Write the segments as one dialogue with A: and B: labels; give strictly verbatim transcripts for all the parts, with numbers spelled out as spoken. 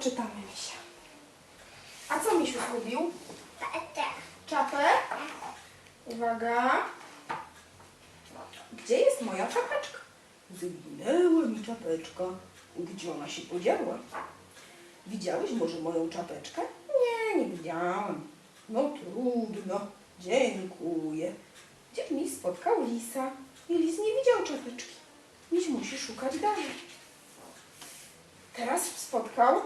A: doczytamy Misia. A co Misiu zgubił? Czapę? Uwaga. Gdzie jest moja czapeczka? Zginęła mi czapeczka. Gdzie ona się podziała? Widziałeś może moją czapeczkę? Nie, nie widziałam. No trudno. Dziękuję. Gdzie Miś spotkał lisa i lis nie widział czapeczki. Miś musi szukać dalej. Teraz spotkał...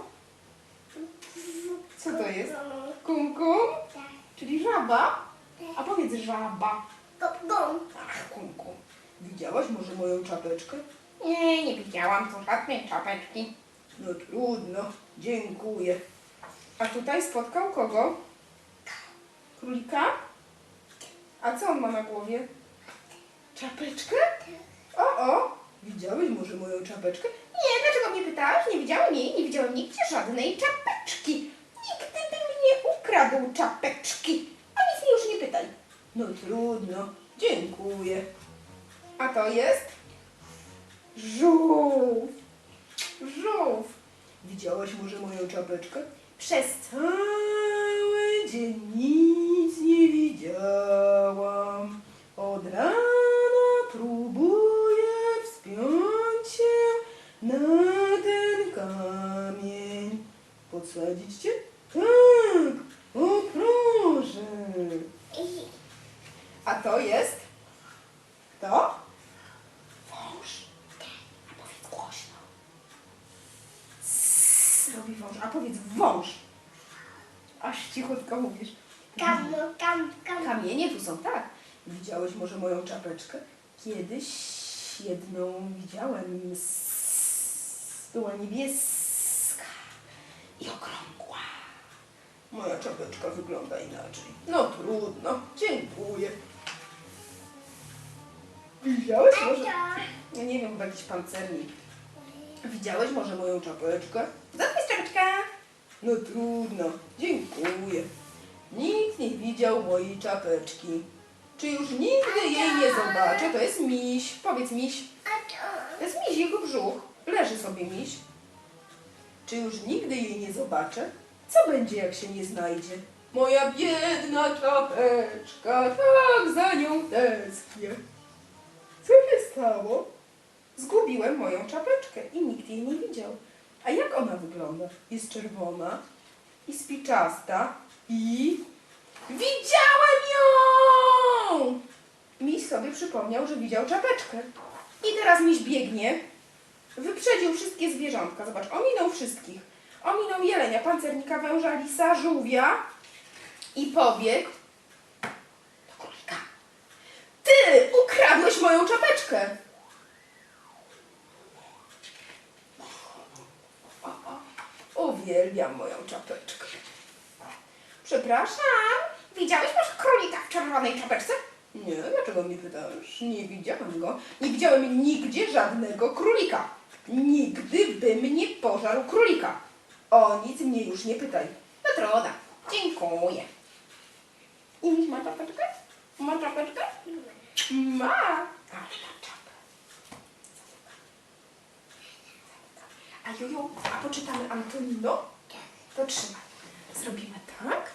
A: Co to jest? Kum-kum? Czyli żaba? A powiedz żaba. Ach, kum-kum. Widziałaś może moją czapeczkę? Nie, nie widziałam tu żadnej czapeczki. No trudno, dziękuję. A tutaj spotkał kogo? Królika? A co on ma na głowie? Czapeczkę? O, o! Widziałeś może moją czapeczkę? Nie, dlaczego mnie pytałaś? Nie widziałem jej, nie widziałem nigdzie żadnej czapeczki. Nigdy by mnie ukradł czapeczki. A nic mi już nie pytaj. No trudno, dziękuję. A to jest? Żółw. Żółw. Widziałaś może moją czapeczkę? Przez cały dzień nic nie widziałam. Od rana próbuję wspiąć się na ten kamień. Podsadzić cię? Tak, o proszę. A to jest? Kto? Wąż. A powiedz głośno. Sss, robi wąż. A powiedz wąż. Aż cichutko mówisz.
B: Kam, kam, kam.
A: Kamienie tu są, tak. Widziałeś może moją czapeczkę? Kiedyś jedną widziałem. S- Była niebieska i okrągła. Moja czapeczka wygląda inaczej. No trudno, dziękuję. Widziałeś może? Ja nie wiem, chyba jakiś pancernik. Widziałeś może moją czapeczkę? Zapisz czapeczkę. No trudno, dziękuję. Nikt nie widział mojej czapeczki. Czy już nigdy jej nie zobaczę? To jest miś. Powiedz miś. To jest miś, jego brzuch. Leży sobie miś. Czy już nigdy jej nie zobaczę? Co będzie, jak się nie znajdzie? Moja biedna czapeczka, tak za nią tęsknię. Co się stało? Zgubiłem moją czapeczkę i nikt jej nie widział. A jak ona wygląda? Jest czerwona i spiczasta i... Widziałem ją! Miś sobie przypomniał, że widział czapeczkę. I teraz miś biegnie. Wyprzedził wszystkie zwierzątka. Zobacz, ominął wszystkich. Ominął jelenia, pancernika, węża, lisa, żółwia i pobiegł do królika. Ty ukradłeś moją czapeczkę! O, o, uwielbiam moją czapeczkę. Przepraszam, widziałeś może królika w czerwonej czapeczce? Nie, dlaczego mnie pytasz? Nie widziałem go. Nie widziałem nigdzie żadnego królika. Nigdy bym nie pożarł królika. O nic mnie już nie pytaj. No trudno. Dziękuję. I miś ma czapeczkę? Ma czapeczkę? Ma. Ale ma czapę. A Juju, a poczytamy Antonino? To trzymaj. Zrobimy tak.